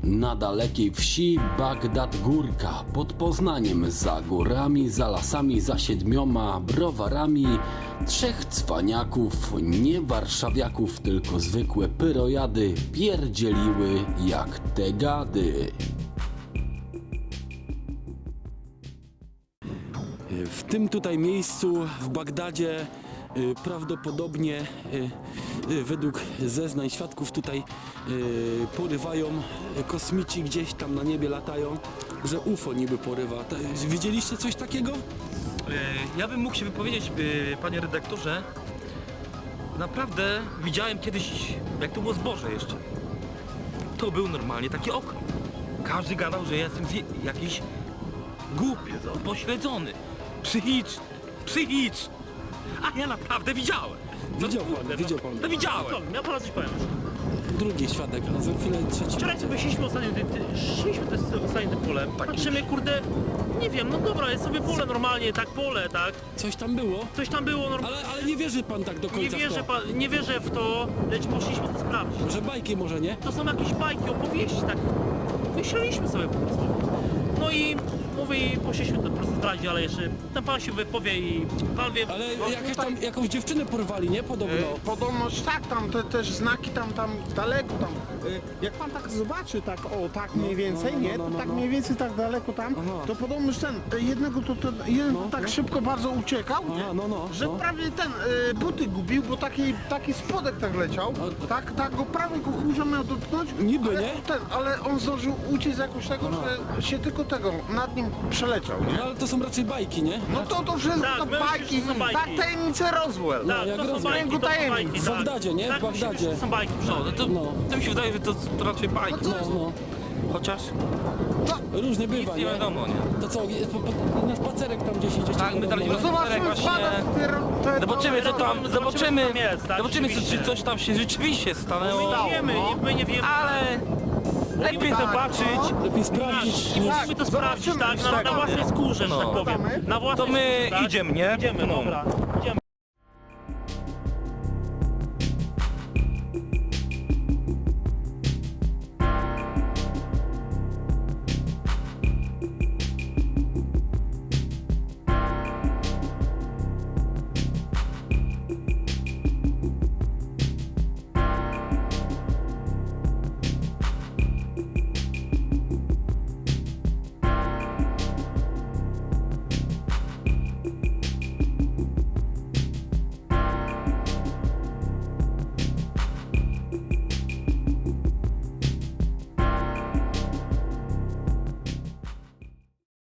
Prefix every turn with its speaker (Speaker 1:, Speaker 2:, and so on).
Speaker 1: Na dalekiej wsi Bagdad Górka, pod Poznaniem, za górami, za lasami, za 7 browarami, 3 cwaniaków, nie warszawiaków, tylko zwykłe pyrojady, pierdzieliły jak te gady. W tym tutaj miejscu w Bagdadzie prawdopodobnie według zeznań świadków tutaj porywają kosmici, gdzieś tam na niebie latają, że UFO niby porywa. Widzieliście coś takiego?
Speaker 2: Ja bym mógł się wypowiedzieć, panie redaktorze. Naprawdę widziałem kiedyś, jak to było zboże jeszcze. To był normalnie taki okrąg. Każdy gadał, że ja jestem jakiś głupiec, upośledzony, psychiczny. A ja naprawdę widziałem.
Speaker 1: Widział pan.
Speaker 2: No widziałem.
Speaker 3: Ja panu coś powiem.
Speaker 1: Drugi świadek, a za chwilę trzeci.
Speaker 3: Wczoraj sobie szliśmy ostatnio tym polem. Patrzymy, kurde, nie wiem, no dobra, jest sobie pole normalnie, tak pole, tak.
Speaker 1: Coś tam było?
Speaker 3: Coś tam było normalnie.
Speaker 1: Ale nie wierzy pan tak do końca w to.
Speaker 3: Nie wierzę w to, lecz poszliśmy to sprawdzić.
Speaker 1: Że bajki może, nie?
Speaker 3: To są jakieś bajki, opowieści, tak. Myśleliśmy sobie po prostu. No i mówię, i poszliśmy to po prostu zdradzić, ale jeszcze ten pan się wypowie i pan wie.
Speaker 1: Ale jakąś dziewczynę porwali, nie? Podobno.
Speaker 4: Podobność tak, tam te też znaki tam daleko tam. Jak pan tak zobaczy, tak o tak mniej więcej, nie? To tak mniej więcej tak daleko tam, to podobność jeden tak szybko bardzo uciekał, że prawie buty gubił, bo taki spodek tak leciał, tak go prawie go kurza miał dotknąć.
Speaker 1: Niby,
Speaker 4: ale
Speaker 1: nie?
Speaker 4: Ale on zdążył uciec jakoś tego, że się tylko nad nim przeleciał, nie?
Speaker 1: No ale to są raczej bajki, nie?
Speaker 4: No to wszystko
Speaker 3: Tak,
Speaker 4: to
Speaker 3: wiem, że
Speaker 4: bajki,
Speaker 3: to są bajki.
Speaker 4: tak tajemnice Roswell.
Speaker 3: Tak,
Speaker 1: jak
Speaker 3: to są
Speaker 1: rozumiem.
Speaker 3: bajki, to są
Speaker 4: Tajemnic.
Speaker 3: bajki.
Speaker 1: W
Speaker 3: tak.
Speaker 1: Bagdadzie, nie?
Speaker 3: Tak,
Speaker 1: W
Speaker 3: myślę,
Speaker 1: Bagdadzie.
Speaker 3: że to są bajki.
Speaker 2: To mi się wydaje, że to raczej bajki.
Speaker 1: No.
Speaker 2: Chociaż
Speaker 1: Różnie
Speaker 2: nic
Speaker 1: bywa,
Speaker 2: nie
Speaker 1: nie?
Speaker 2: wiadomo, nie?
Speaker 1: To co, na spacerek tam gdzieś idziecie?
Speaker 2: Tak, my daliśmy
Speaker 1: podobno,
Speaker 2: spacerek właśnie. Zobaczymy co tam, zobaczymy czy coś tam się rzeczywiście stanęło.
Speaker 3: My nie wiemy.
Speaker 2: Ale lepiej zobaczyć.
Speaker 1: Lepiej sprawdzić.
Speaker 3: I musimy to sprawdzić, tak, na własnej skórze, że tak powiem. Na własnej
Speaker 2: To my
Speaker 3: skórze, tak?
Speaker 2: idziemy, nie?
Speaker 3: Idziemy, dobra.